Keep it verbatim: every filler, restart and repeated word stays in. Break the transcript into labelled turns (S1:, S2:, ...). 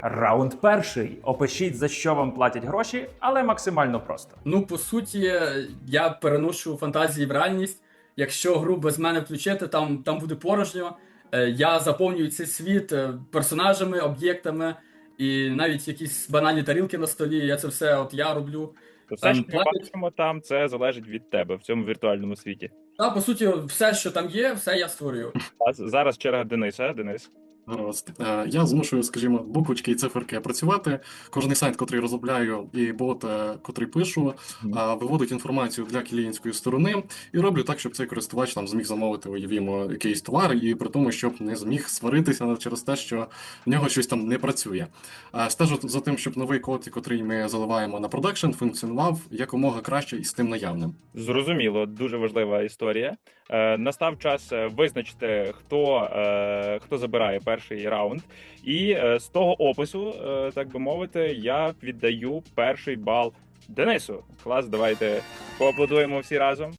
S1: Раунд перший. Опишіть, за що вам платять гроші, але максимально просто.
S2: Ну, по суті, я переношу фантазії в реальність. Якщо гру без мене включити, там, там буде порожньо. Е, Я заповнюю цей світ е, персонажами, об'єктами і навіть якісь банальні тарілки на столі. Я це все от я роблю.
S3: То все,
S2: Ем,
S3: що ми
S2: платять-
S3: бачимо там, це залежить від тебе в цьому віртуальному світі.
S2: Та, по суті, все, що там є, все я створюю.
S3: А з- зараз черга Дениса. Денис.
S4: Гаразд. Е, Я змушую, скажімо, буквочки і циферки працювати. Кожний сайт, котрий розробляю, і бот, е, котрий пишу,
S3: Мгм.
S4: е, виводить інформацію для клієнтської сторони і роблю так, щоб цей користувач там зміг замовити, уявімо, якийсь товар, і при тому, щоб не зміг сваритися через те, що в нього щось там не працює. Е, Стежу за тим, щоб новий код, котрий ми заливаємо на продакшн, функціонував якомога краще із тим наявним.
S3: Зрозуміло, дуже важлива історія. Е, настав час е, визначити, хто, е, хто забирає перший раунд. І е, з того опису, е, так би мовити, я віддаю перший бал Денису. Клас, давайте поаплодуємо всі разом.